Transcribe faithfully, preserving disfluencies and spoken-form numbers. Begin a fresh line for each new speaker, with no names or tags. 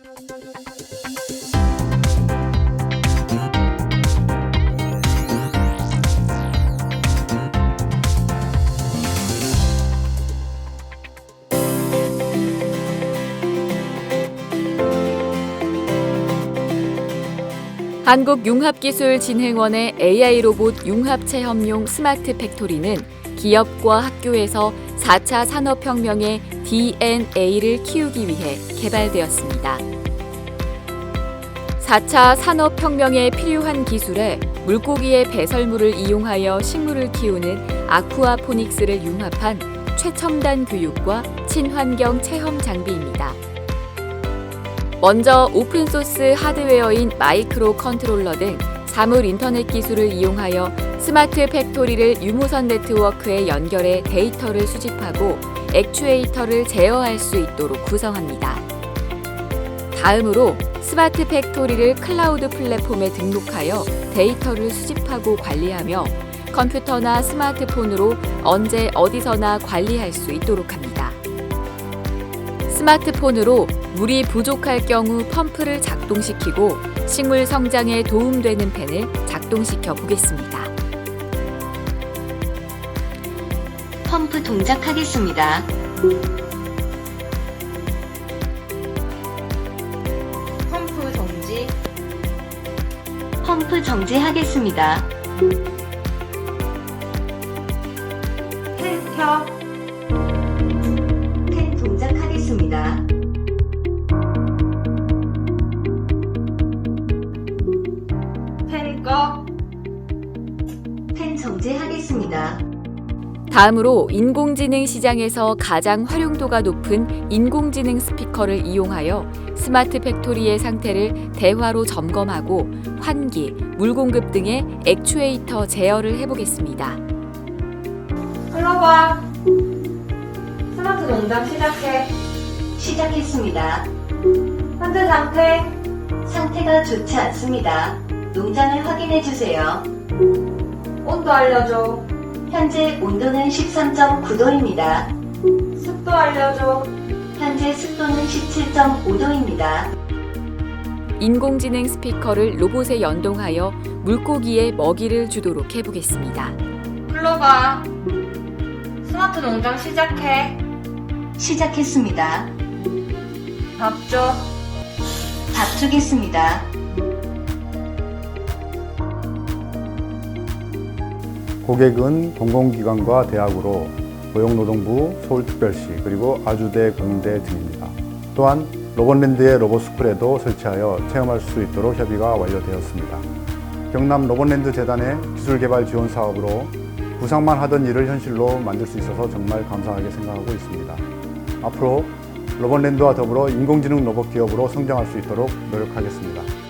한국융합기술진흥원의 에이아이 로봇 융합체험용 스마트 팩토리는 기업과 학교에서 사 차 산업혁명의 디엔에이를 키우기 위해 개발되었습니다. 사 차 산업혁명에 필요한 기술에 물고기의 배설물을 이용하여 식물을 키우는 아쿠아포닉스를 융합한 최첨단 교육과 친환경 체험 장비입니다. 먼저 오픈소스 하드웨어인 마이크로 컨트롤러 등 사물 인터넷 기술을 이용하여 스마트 팩토리를 유무선 네트워크에 연결해 데이터를 수집하고 액추에이터를 제어할 수 있도록 구성합니다. 다음으로 스마트 팩토리를 클라우드 플랫폼에 등록하여 데이터를 수집하고 관리하며 컴퓨터나 스마트폰으로 언제 어디서나 관리할 수 있도록 합니다. 스마트폰으로 물이 부족할 경우 펌프를 작동시키고 식물 성장에 도움되는 펜을 작동시켜 보겠습니다.
펌프 동작하겠습니다.
펌프 정지.
펌프 정지하겠습니다.
펜 켜.
펜 동작하겠습니다.
펜 꺼.
펜 정지하겠습니다.
다음으로 인공지능 시장에서 가장 활용도가 높은 인공지능 스피커를 이용하여 스마트 팩토리의 상태를 대화로 점검하고 환기, 물 공급 등의 액추에이터 제어를 해보겠습니다.
클로버. 스마트 농장 시작해.
시작했습니다.
현재 상태.
상태가 좋지 않습니다. 농장을 확인해 주세요.
온도 알려줘.
현재 온도는 십삼 점 구 도입니다.
습도 알려줘.
현재 습도는 십칠 점 오 도입니다.
인공지능 스피커를 로봇에 연동하여 물고기에 먹이를 주도록 해보겠습니다.
클로버. 스마트 농장 시작해.
시작했습니다.
밥 줘.
밥 주겠습니다.
고객은 공공기관과 대학으로 고용노동부, 서울특별시, 그리고 아주대, 공대 등입니다. 또한 로봇랜드의 로봇스쿨에도 설치하여 체험할 수 있도록 협의가 완료되었습니다. 경남 로봇랜드 재단의 기술개발 지원 사업으로 구상만 하던 일을 현실로 만들 수 있어서 정말 감사하게 생각하고 있습니다. 앞으로 로봇랜드와 더불어 인공지능 로봇 기업으로 성장할 수 있도록 노력하겠습니다.